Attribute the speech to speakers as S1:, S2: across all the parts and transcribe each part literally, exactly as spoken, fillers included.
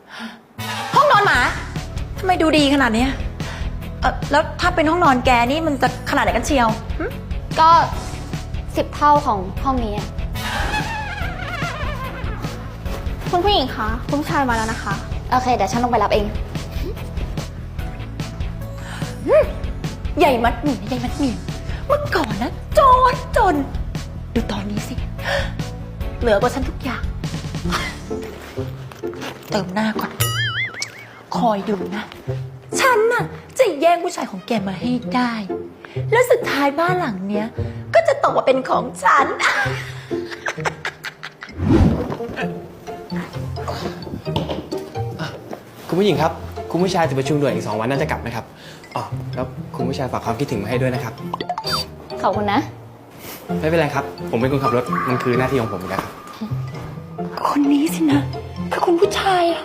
S1: ห้องนอนหมาทำไมดูดีขนาดเนี้ยเออแล้วถ้าเป็นห้องนอนแกนี่มันจะขนาดไหนกันเชียว
S2: ก็สิบเท่าของห้องนี้คุณผู้หญิงคะคุณผู้ชายมาแล้วนะคะโอเคเดี๋ยวฉันลงไปรับเอง
S1: ใหญ่มัดหมี่ใหญ่มัดหมี่เมื่อก่อนนะจนจนดูตอนนี้สิเหลือกว่าฉันทุกอย่างเติมหน้าก่อนคอยดูนะฉันน่ะจะแย่งผู้ชายของแกมาให้ได้แล้วสุดท้ายบ้านหลังเนี้ยก็จะตกมาเป็นของฉัน
S3: คุณผู้หญิงครับคุณผู้ชายจะประชุมด่วนอีกสองวันน่าจะกลับนะครับอ๋อแล้วคุณผู้ชายฝากความคิดถึงมาให้ด้วยนะครับ
S2: ขอบคุณนะ
S3: ไม่เป็นไรครับผมเป็นคนขับรถมันคือหน้าที่ของผมนะครับ
S1: คนนี้สินะคือคุณผู้ชายอะ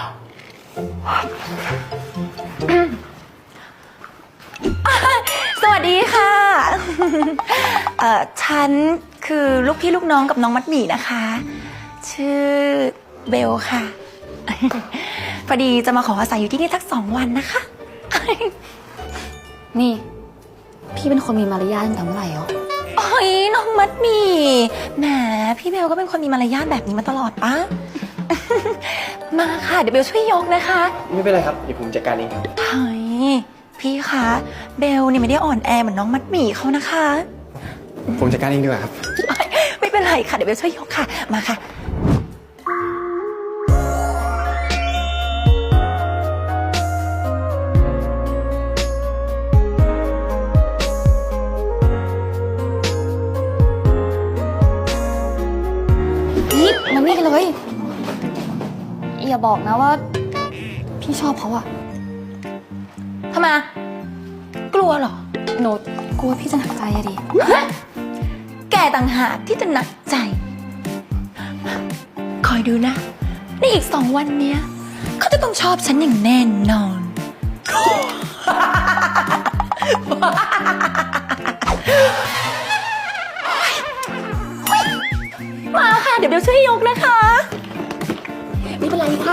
S1: สวัสดีค่ะเอ่อฉันคือลูกพี่ลูกน้องกับน้องมัดหมี่นะคะชื่อเบลค่ะพอดีจะมาขออาศัยอยู่ที่นี่สักสองวันนะคะ
S2: นี่พี่เป็นคนมีมารยาทตั้งแต่เมื่อไหร่อ๋อ
S1: โอ้ยน้องมัดหมี่แหมพี่เบลก็เป็นคนมีมารยาทแบบนี้มาตลอดปะมาค่ะเดี๋ยวเบลช่วยยกนะคะ
S3: ไม่เป็นไรครับเดี๋ยวผมจัดการเองครับ
S1: เฮ้ยพี่คะเบลเนี่ยไม่ได้อ่อนแอเหมือนน้องมัดหมี่เขานะคะ
S3: ผมจัดการเองดีกว่าครับ
S1: ไม่เป็นไรค่ะเดี๋ยวเบลช่วยยกค่ะมาค่ะ
S2: นี่มันนี่กันเลยอย่าบอกนะว่าพี่ชอบเขาอะ
S1: ทำไมกลัวเหรอ
S2: หนูกลัวพี่จะหนักใจอะดิ
S1: แกต่างหากที่จะหนักใจคอยดูนะในอีกสองวันเนี้ยเขาจะต้องชอบฉันอย่างแน่นอนมาค่ะเดี๋ยวเบลช่วยยกนะคะไม่เป็นไรค่ะ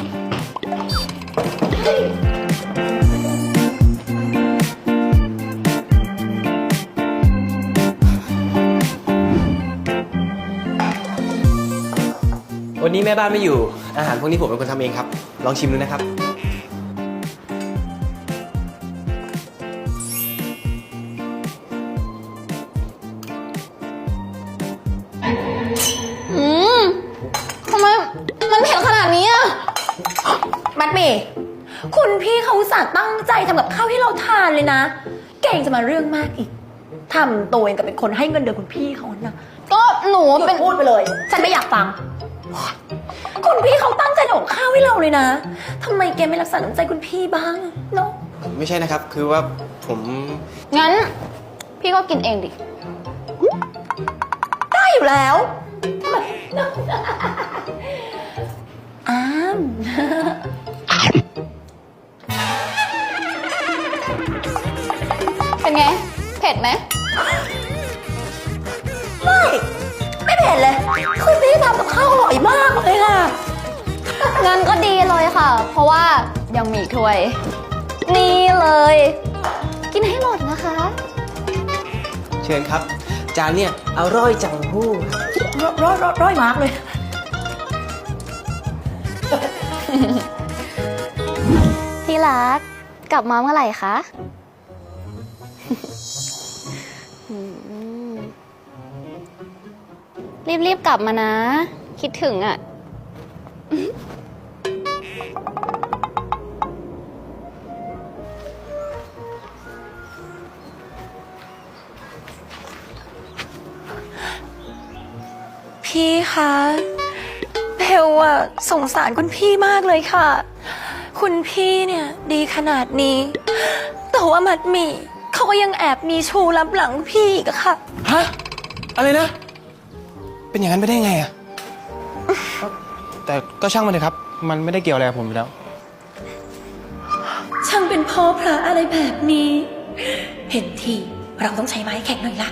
S3: วันนี้แม่บ้านไม่อยู่อาหารพวกนี้ผมเป็นคนทำเองครับลองชิมดูนะครับ
S2: อืมทำไมมันเผ็ดขนาดนี้อะ
S1: มัดหมี่คุณพี่เขาอุตส่าห์ตั้งใจทำกับข้าวให้เราทานเลยนะเก่งจะมาเรื่องมากอีกทำตัวเองกับเป็นคนให้เงินเดือนคุณพี่เขานะ
S2: ก็หนูเป็น
S1: พูดไปเลยฉันไม่อยากฟังคุณพี่เขาตั้งใจทำกับข้าวให้เราเลยนะทำไมแกไม่รักษาน้ำใจคุณพี่บ้างเนาะ
S3: ไม่ใช่นะครับคือว่าผม
S2: งั้นพี่ก็กินเองดิ
S1: ได้อยู่แล้วอ้าม
S2: เป็นไงเผ็ดไหม
S1: ไม่ไม่เผ็ดเลยคุณพี่ทำกับข้าวอร่อยมากเลยค่ะ
S2: งั้นก็ดีเลยค่ะเพราะว่ายังมีถ้วยนี่เลยกินให้หมดนะคะ
S3: เชิญครับจานเนี่ยอร่อยจังหู้
S1: ร้อยร้อยร้อยมากเลย
S2: ที่รักกลับมาเมื่อไหร่คะรีบๆกลับมานะคิดถึงอ่ะ
S1: พี่คะเบลอะสงสารคุณพี่มากเลยค่ะคุณพี่เนี่ยดีขนาดนี้แต่ว่ามัดหมี่เขาก็ยังแอบมีชูรับหลังพี่อีกอะค่ะ
S3: ฮะอะไรนะเป็นอย่างนั้นไปได้ไงอะแต่ก็ช่างมันเถอะครับมันไม่ได้เกี่ยวอะไรกับผมอยู่แล้ว
S1: ช่างเป็นพ่อพระอะไรแบบนี้เห็นทีเราต้องใช้ไม้แข็งหน่อยละ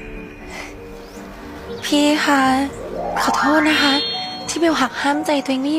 S1: พี่คะขอโทษนะคะที่เบลหักห้ามใจตัวเองไม่อยู่